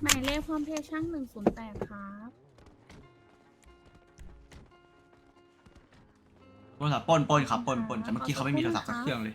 หมายเลขพร้อมเพย์ช่าง108ครับโทรศัพท์ปล้นครับปล้นแต่เมื่อกี้เขาไม่มีโทรศัพท์สักเครื่องเลย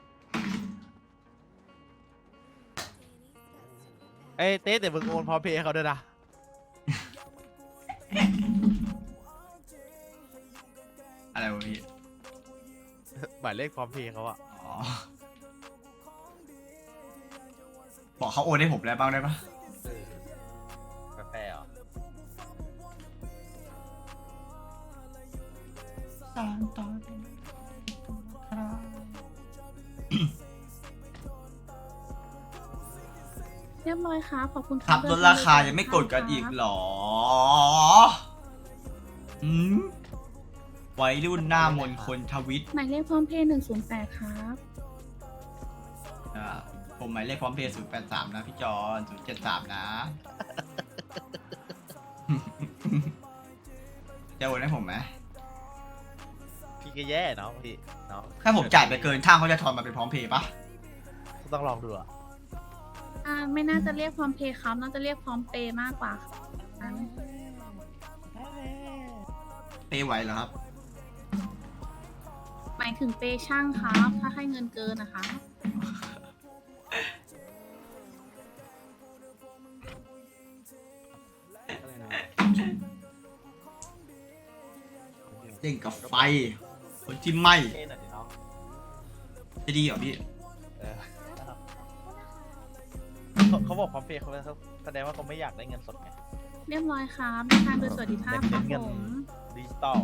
เอ้ยเต้แต่มึงโอนพร้อมเพย์ให้เขาด้วยนะอะไรวะพี่หมายเลขพร้อมเพย์เขาอะอ๋อบอกเขาโอนให้ผมแล้วบ้างได้ปะแปลเหรอเรียบร้อยครับขอบคุณครับลดราคายังไม่กดกันอีกเหรออืมวัยรุ่นหน้ามนคนทวิตหมายเลขพร้อมเพย์108ครับผมหมายเลขพร้อมเพย์083นะพี่จอน073นะจะโอนให้ผมไหมพี่ก็แย่เนาะพี่เนาะถ้าผมจ่ายไปเกินช่างเขาจะทอนมาเป็นพร้อมเพย์ปะต้องลองดูอะไม่น่าจะเรียกพร้อมเพย์ครับน่าจะเรียกพร้อมเปย์มากกว่าครับเปย์ไหวเหรอครับหมายถึงเปย์ช่างครับ ถ้าให้เงินเกินนะคะเล่นกับไฟ คนที่ไหม่เท่หน่อยดิน้องจะดีเหรอพี่เออเขาบอกพร้อมเพย์เขาแสดงว่าเขาไม่อยากได้เงินสดไงเรียบร้อยครับเดินทางโดยสวัสดิภาพครับเงินผมดิจิตอล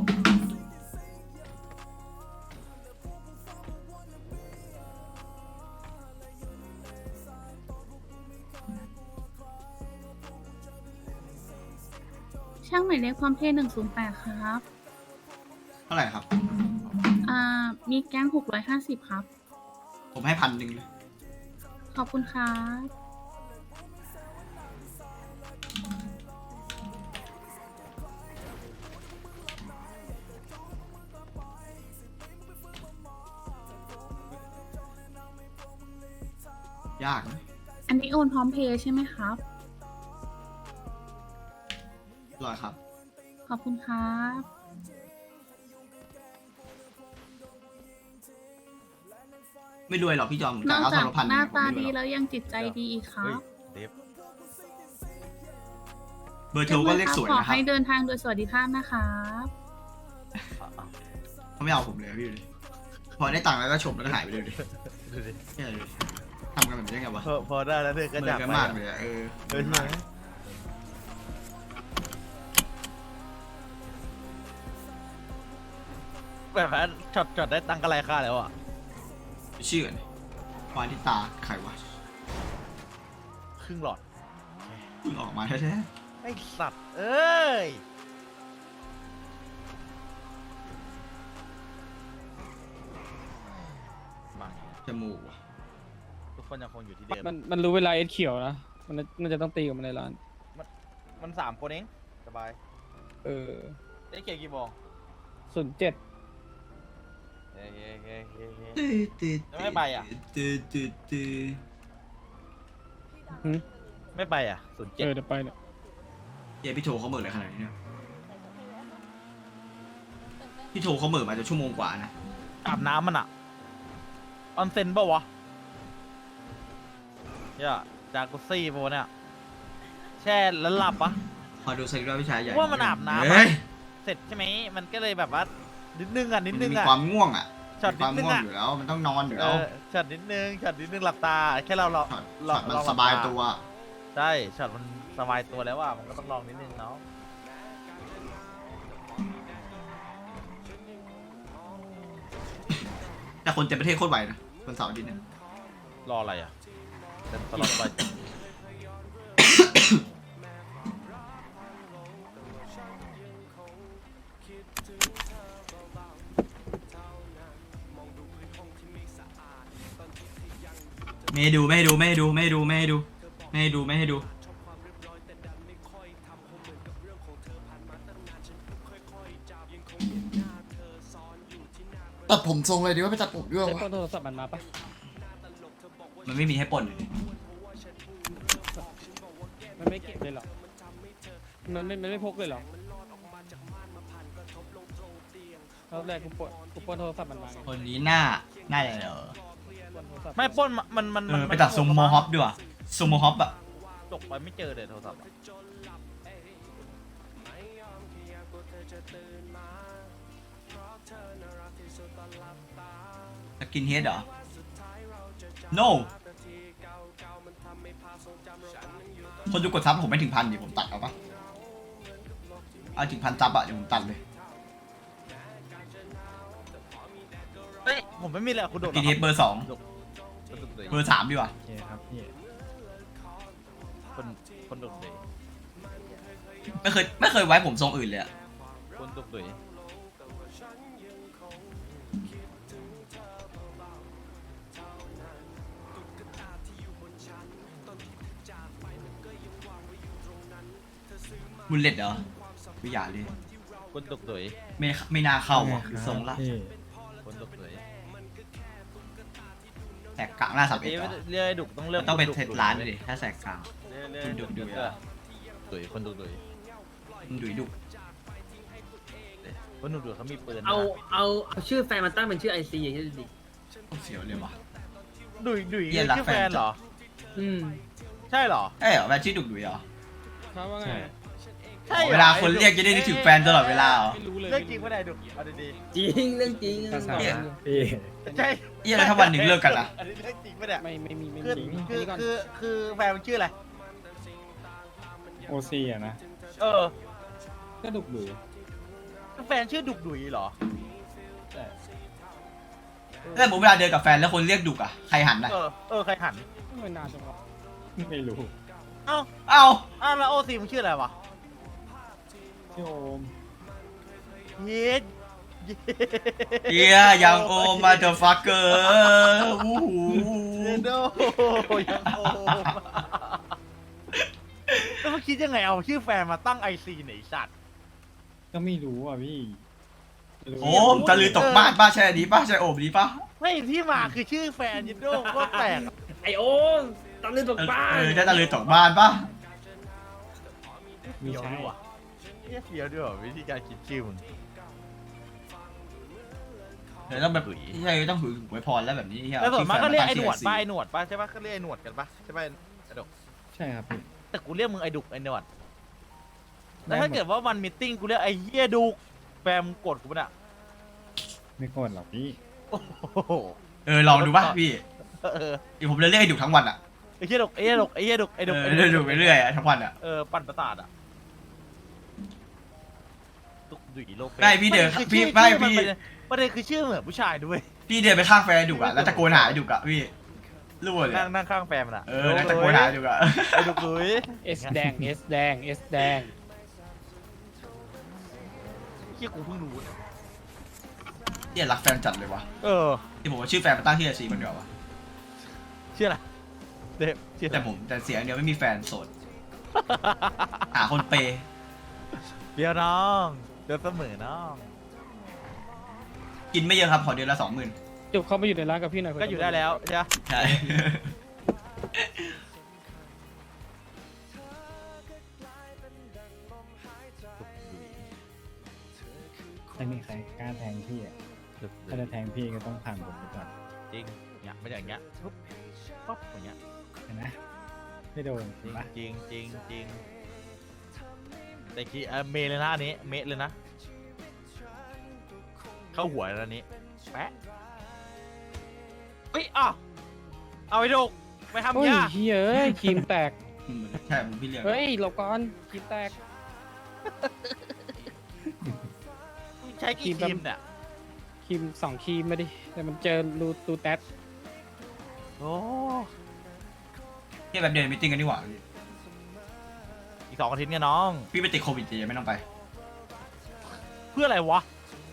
ช่างหมายเลขพร้อมเพย์108ครับเท่าไหร่ครับมีแก๊ง650ครับผมให้1,000เลยขอบคุณครับยากนะอันนี้โอนพร้อมเพย์ใช่ไหมครับอร่อยครับขอบคุณครับไม่รวยหรอกพี่จอมผมนจ่าอย กเอาจาทกอนละพันหน้าผมตาไม่รดีวยหรอกแล้วยังจิตใจดีอีกครัเฮ้ยบเดฟเบอร์โทรก็เลขสวยขอนะครับให้เดินทางโดยสวัสดิภาพนะครับเขาไม่เอาผมเลยพี่ดูดิพอได้ตังค์แล้วก็ชมแล้วก็หายไปเลยดิดูดิเนี่ยดูดิทำกันแบบนี้ได้ไงวะพอได้แล้วเธอก็เหมือจากนกันไปมากอะเลยอะเออเออใช่ไหมแบบว่าช็อตได้ตังค์กันไรค่าแล้วอ่ะชื่อกันวานที่ตาใครวะครึ่งหลอดเพิ่งออกมาแท้ไอ้สัตว์ เอ้ยมาๆจมูกว่ะทุกคนยังคงอยู่ที่เดิมมันรู้เวลาเอสเขียวนะ มันน่าจะต้องตีกับมันในร้านมัน3 คนเอง สบายเออได้เกี่ยวกี่โมง 07 เฮ้ยเฮ้ยเฮ้ยเฮ้ยเฮ้ยตื้อแล้วไม่ไปอะตื้อไม่ไปอ่ะเดี๋ยวไปเนี่ยเย้พี่โทรเขาเหม่ออะไรขนาดนี้เนี่ยพี่โทรเขาเหม่อมาจะชั่วโมงกว่านะอาบน้ำมันอ่ะ ออนเซ็นเปล่าวะเนี่ยจากุซี่ปะวะเนี่ย แช่แล้วหลับปะพอดูสลิปแล้วพี่ชายใหญ่ว่ามันอาบน้ำเฮ้ยเสร็จใช่ไหม มันก็เลยแบบว่า นิดนึงอ่ะ นิดมันนึจะงมีอ่ะความง่วงอ่ะช็อตมีความนิดนึงง่วงอะอยู่แล้ว มันต้องนอนอยู่เอแล้วอช็อตนิดนึงช็อตนิดนึงหลับตา แค่เราช็อตมันสบายตัวใช่ ช็อตมันสบายตัวแล้วอ่ะ มันก็ต้องลองนิดนึงเนาะแต่คนเต็มประเทศโคตรไหวนะคนเสาร์อาทิตย์เนี่ยรออะไรอ่ะเต็มตลอดไปไม่ให้ดูไม่ให้ดูไม่ให้ดูไม่ให้ดูไม่ให้ดูไม่ให้ดูไม่ให้ดูตัดผมทรงเลยดีว่าไปตัดผมด้วยไอ้วะต้นโทรศัพท์มันมาปะมันไม่มีให้ปล้นเลยมันไม่ไม่เก็บเลยเหรอมันไม่พกเลยเหรอรอบแรกกูปล้นโทรศัพท์มันมาไงคนนี้หน้าอย่างเหรอปล้นโทรศัพท์ไม่ปล้นมันไปตัดทรงโมฮอปดีกว่าทรงโมฮอปอะตกไปไม่เจอเลยโทรศัพท์อะสกินเฮดเหรอ no คนดูกดซับผมไม่ถึงพันดิผมตัดเอาปะเอาถึงพันซับอะเดี๋ยวผมตัดเลยเฮ้ยผมไม่มีเลยอะคุณโดสดกินเฮดเบอร์สอง เบอร์สามดีกว่าโอเคครับพี่คนโดดเลยไม่เคยไว้ผมทรงอื่นเลยอะคนโดดเลยบุลเลตเหรอไม่อยากเลยคนโดดเลยไม่น่าเข้าอ่ะคือทรงละคนโดดเลยแตกกลางหน้าสับเอ็ดเอ้ยเหรอเรียกไอ้ดุกต้องเลือกต้องเป็นดุกเทสร้านดิถ้าแตกกลางเรียกดุกดุกดุยคนโดดเลยมันดุยดุคนโดดเลยเขามีปืนนะเอาชื่อแฟนมันตั้งเป็นชื่อไอซีอย่างนี้ดิเสียวเลยวะดุยเหี้ยรักชื่อแฟแฟนนเหรออืมใช่เหรอเอ้ยเหรอแฟนชื่อดุกดุยเหรอครับว่าไงใช่หรอเวลาคนเรียกจะได้นึกถึงแฟนตลอดเวลาเหรอไม่รู้เลยเรื่องจริงไม่ได้ดุเอาดีจริงเรื่องจริงๆใช่เอี้ยแล้วถ้าวันหนึ่งเลิกกันอะอันนี้เรื่องจริงไม่ได้ไม่มีคือจริงคือนี่ก่อนคือแฟนมันชื่ออะไรโอซีอะนะเออก็ดุกดุยแฟนชื่อดุกดุยเหรอแต่แล้วสมมติเวลาเดินกับแฟนแล้วคนเรียกดุกอะใครหันนะใครหันไม่นานจังวะไม่รู้เอ้าเอ้าแล้วโอซีมึงชื่ออะไรวะพี่โอมเย็ดเอี้ยยังโอมาเดอะฟักเกอร์วู้หูเยดโดยังโอมแล้วมึงคิดยังไงเอาชื่อแฟนมาตั้งไอซีไหนสัตว์ก็ไม่รู้อ่ะพี่โอ้มตะลือตกบ้านป้าใช่อันนี้ป้าใช่โอมนี้ป้าไม่ที่มาคือชื่อแฟนเยดโดก็แปลกไอโอมตอนนี้ตกบ้านได้ตะลือตกบ้านป้าเฟี้ยวด้วยว่ะเฟี้ยวด้วยว่ะวิธีการคิดชื่อมึงเดี๋ยวต้องแบบใช่ต้องถือหวยพรแล้วแบบนี้แล้วส่วนมากก็เรียกไอ้หนวดป้าไอ้หนวดป้าใช่ปะก็เรียกไอ้หนวดกันปะใช่ปะไอ้ดกใช่ครับพี่แต่กูเรียกมึงไอ้ดุกไอ้หนวดแล้วถ้าเกิดว่ามันมีตติ้งกูเรียกไอ้เหี้ยดุกแฟมงกดกูปะเนี่ยไม่โกดหรอกพี่โอ้โหลองดูป่ะพี่เออเดี๋ยวผมจะเรียกให้ดุทั้งวันอะไอ้เหี้ยดุกไอ้เหี้ยดุกไอ้เหี้ยดุกไอ้ดุกเรื่อยๆดูไปเรื่อยอะทั้งวันอะปั่นประสาทอะดุกดุยโลเปไม่พี่เดินคือพี่ชื่อไม่ชื่อพี่ประเด็นคือชื่อเหมือนผู้ชายด้วยพี่เดินไปข้างแฟนดุอะแล้วตะโกนหาดุอะพี่รู้เลยนั่งข้างแฟนมันอะแล้วตะโกนหาดุอะไอ้ดุกดุยเอสแดงเอสแดงเอสแดงเหี้ยกูเพิ่งรู้เนี่ยรักแฟนจัดเลยวะ ที่ผมว่าชื่อแฟนมาตั้งที่อาชีมันเดียววะชื่ออะไรเดฟชื่ออะไรแต่เสียงเดียวไม่มีแฟนโสดหาคนเปย์เดี๋ยวน้องเดี๋ยวเสมอน้องกินไม่เยอะครับขอเดือนละ 20,000 จุบเข้ามาอยู่ในร้านกับพี่หน่อยก็อยู่ได้แล้วใช่ไหมใช่ไม่มีใครกล้าแทงพี่อ่ะถ้าจะแทงพี่ก็ต้องผ่านผมไปก่อนจริงเนี่ยไม่อย่างเงี้ยปุ๊บป๊บอย่างเงี้ยเห็นไหมไม่โดนจริงปะจริงจริงจริงแต่กี้เมย์เลยนะอันนี้เมย์เลยนะเข้าหัวแล้วอันนี้แปะเฮ้ยเอาไปดูไปทำโอ้ยยาเฮ้ยครีมแตกใช่ผมพี่เรียกเฮ้ยหลบก่อนครีมแตกใช้กี่ครีมเนี่ยครีม2ครีมมาดิแต่มันเจอรูแตสโอ้ที่แบบเดินมิทติ้งกันดีกว่าอีก2 อาทิตย์เนี่ยน้องพี่ไปติดโควิดจะยังไม่ต้องไปเพื่ออะไรวะ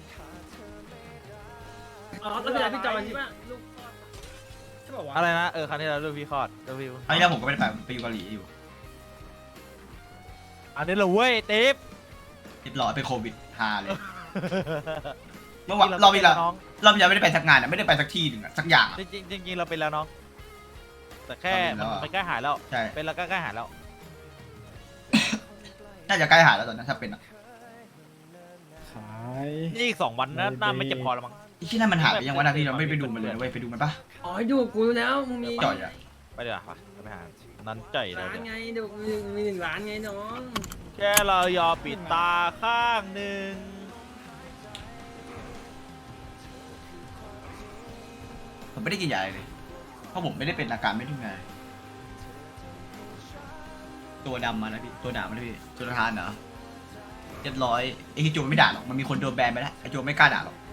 อ๋อแล้วเป็นพี่จอยใช่ปะลูกใช่ป่าวะอะไรนะครั้งนี้เราเลือกพี่คอร์ดเลือกพี่อันนี้แล้วผมก็ไม่ได้ไปอยู่เกาหลีอยู่อันนี้เหรอเว้ยเต๊บเรียบร้อยไปโควิดฮาเลย เมื่อวานเราไม่ได้ไปสักงานอะไม่ได้ไปสักที่หนึ่งอะสักอย่างอะจริงเราเป็นแล้วน้องแต่แค่เราเป็นแล้วอะมันใกล้หายแล้วใช่เป็นแล้วก็ใกล้หายแล้วน่าจะใกล้หายแล้วตอนนั้นถ้าเป็นอ่ะขายนี่อีก2 วันนะหน้าไม่เจ็บคอแล้วมั้งไอ้ที่นั่นมันหายไปยังวะนะพี่เราไม่ไปดูมันเลยนะเว้ยไปดูมันปะอ๋อดูกูแล้วมึงมีจ่อยอะไปเดี๋ยวาไปหานั้นจ่อยเลยร้านเดี๋ยวไงดูมี1 ล้านไงน้องแค่เรายอมปิดตาข้างหนึ่งผมไม่ได้กินยาอะไรเลยเพราะผมไม่ได้เป็นอาการไม่ทุกไงตัวดำมาแล้วพี่ตัวหนามาแล้วพี่ตัวทานเหรอเรียบร้อยไอ้ที่โจไม่ด่าหรอกมันมีคนโดนแบนไปแล้วไอ้โจไม่กล้าด่าหรอก